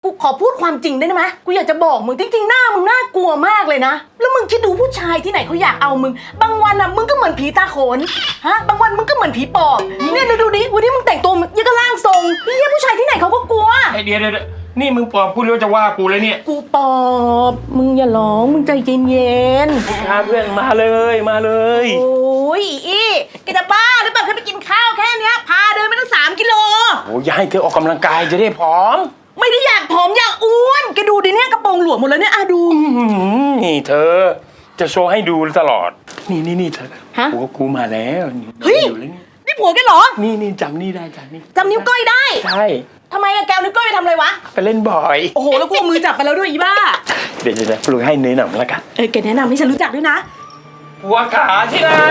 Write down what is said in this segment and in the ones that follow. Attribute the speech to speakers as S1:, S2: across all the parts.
S1: กูขอพูดความจริงได้ไหมกูอยากจะบอกมึงจริงๆหน้ามึงน่ากลัวมากเลยนะแล้วมึงคิดดูผู้ชายที่ไหนเขาอยากเอามึงบางวันอ่ะมึงก็เหมือนผีตาโขนฮะบางวันมึงก็เหมือนผีปอบเนี่ยดูดิวันนี้มึงแต่งตัวยังก็ร่างทรงเนี่ยผู้ชายที่ไหนเขาก็กลัว
S2: เดี๋ยวนี่มึงปอบกูหรือจะว่ากูเลยเนี่ย
S1: กูปอบมึงอย่าร้องมึงใจเย็น
S2: พาเพื่อนมาเลย
S1: โอ้ยอีแกจะบ้าหรือเปล่าแค่ไปกินข้าวแค่เนี้ยพาเดินไปตั้ง3 กิโล
S2: โอ้ยให้เธอออกกำลังกายจะได้ผอม
S1: ไม่ได้อยากผอมอยากอ้วนแกดูดิเนี่ยกระโปรงหลวมหมดแล้วเนี่ยดู
S2: นี่เธอจะโชว์ให้ดูตลอดนี่เธอผัวกูมาแล้ว
S1: เฮ้ยนี่ผัวแกเหรอ
S2: นี่จำนี่ได้
S1: จำนิ้วก้อยได้
S2: ใช่
S1: ทำไมอะแกวนิ้วก้อยไปทำอะไรวะ
S2: ไปเล่นบ่อย
S1: โอ้โหแล้วกูเอามือจับไปแล้วด้วยอีบ้า
S2: เดี๋ยวปลุกให้เนยหน่อยละกัน
S1: แกแนะนำให้ฉันรู้จักด้วยนะ
S2: ผัวขาที่ไหน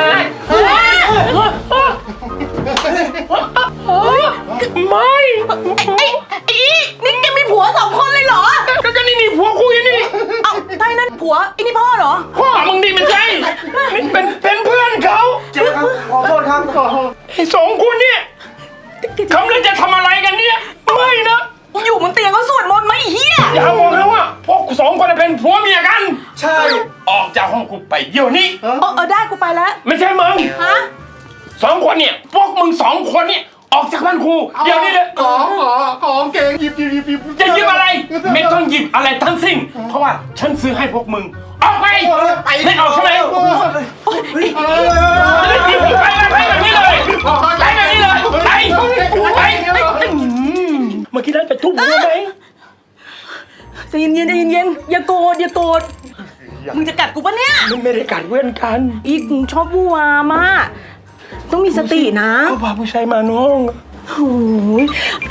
S2: ไม่
S1: ไอ้นี่แกมีผัว2 คนเลยเหรอ
S2: ก็นี่ผัวคุยนี่
S1: เอาใช่นั่นผัวไอ้นี่พ่อเหรอ
S2: พ่อมึงดิมันใช่เป็นเพื่อนเขา
S3: เจ๊ครับขอโทษครับ
S2: ไอ้2 คนเนี่ยเขาเลยจะทำอะไรกันเนี่ยไม่นะ
S1: อยู่บนเตียงเขาสวดมนต์ไหมไอ้เหี้ย
S2: อย่าบอกนะว่าพวก2 คนเป็นผัวเมียกัน
S3: ใช่
S2: ออกจากห้องกูไปเดี๋ยวนี้
S1: ได้กูไปแล้ว
S2: ไม่ใช่มึง
S1: ฮะ
S2: 2 คนเนี่ยพวกมึง2 คนเนี่ยออกจากบ้านกูเดี๋ยวนี้เลย
S3: ของเก่งหยิบ
S2: จะหยิบอะไรไม่ต้องหยิบอะไรทั้งสิ้นเพราะว่าฉันซื้อให้พวกมึงออกไปไม่ออกใช่ไหมไปแบบนี้เลยไปเมื่อกี้นั้นจะทุบหัวไหม
S1: ใจเย็นอย่าโกรธมึงจะกัดกูปะเนี่ย
S2: ไม่ได้กัดเพื่อนกัน
S1: อีกชอบวัวมากต้องมีสตินะ
S2: เขาพาผู้ชายมาน้อง
S1: โอ้ย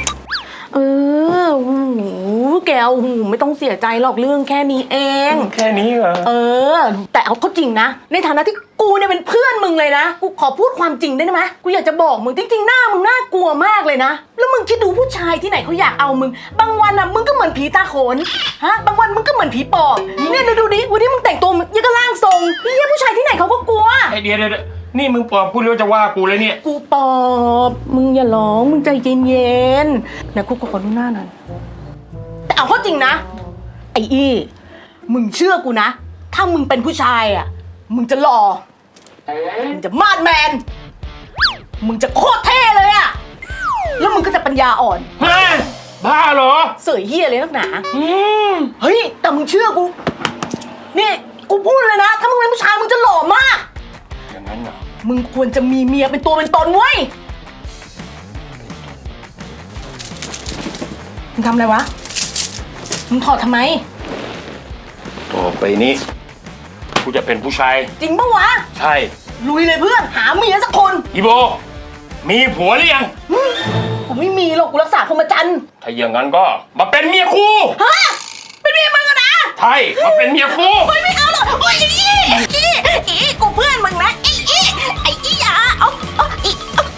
S1: แกไม่ต้องเสียใจหรอกเรื่องแค่นี้เอง
S2: แค่นี้เหรอ
S1: แต่เอาเข้าจริงนะในฐานะที่กูเนี่ยเป็นเพื่อนมึงเลยนะกูขอพูดความจริงได้ไหมกูอยากจะบอกมึงจริงๆหน้ามึงน่ากลัวมากเลยนะแล้วมึงคิดดูผู้ชายที่ไหนเขาอยากเอามึงบางวันอ่ะมึงก็เหมือนผีตาโขนฮะบางวันมึงก็เหมือนผีปอบเนี่ยดูดิวันนี้มึงแต่งตัวยังก็ร่างทรงเนี่ยผู้ชายที่ไหนเขาก็กลัว
S2: เดี๋ยวนี่มึงปอบกูหรือจะว่ากูเลยเนี่ย
S1: กูปอบมึงอย่าร้องมึงใจเย็นนะกูขอดูหน้าหน่อยแต่เอาเข้าจริงนะไอ้มึงเชื่อกูนะถ้ามึงเป็นผู้ชายอ่ะมึงจะหล่อมึงจะมาดแมนมึงจะโคตรเท่เลยอ่ะแล้วมึงก็จะปัญญาอ่อน
S2: บ้าเหรอ
S1: เสยเหี้ยเลยนักหนาเฮ้ยแต่มึงเชื่อกูนี่กูพูดเลยนะถ้ามึงเป็นผู้ชายมึงจะหล่อมาก
S2: อย่างนั้นเหรอ
S1: มึงควรจะมีเมียเป็นตัวเป็นตนเว้ยมึงทำอะไรวะมึงถอดทำไม
S2: ต่อไปนี้กูจะเป็นผู้ชาย
S1: จริงปะวะ
S2: ใช่
S1: ลุยเลยเพื่อนหาเมียสักคน
S2: อีโบมีผัวหรือยัง
S1: กูไม่มีหรอกกูรักษาพรหมจรรย์
S2: ถ้าอย่างนั้นก็มาเป็นเมียกู
S1: ฮะเป็นเมียมึงอะนะ
S2: ใช่มาเป็นเมียกู
S1: ไม่เอาหรอกโอ้ย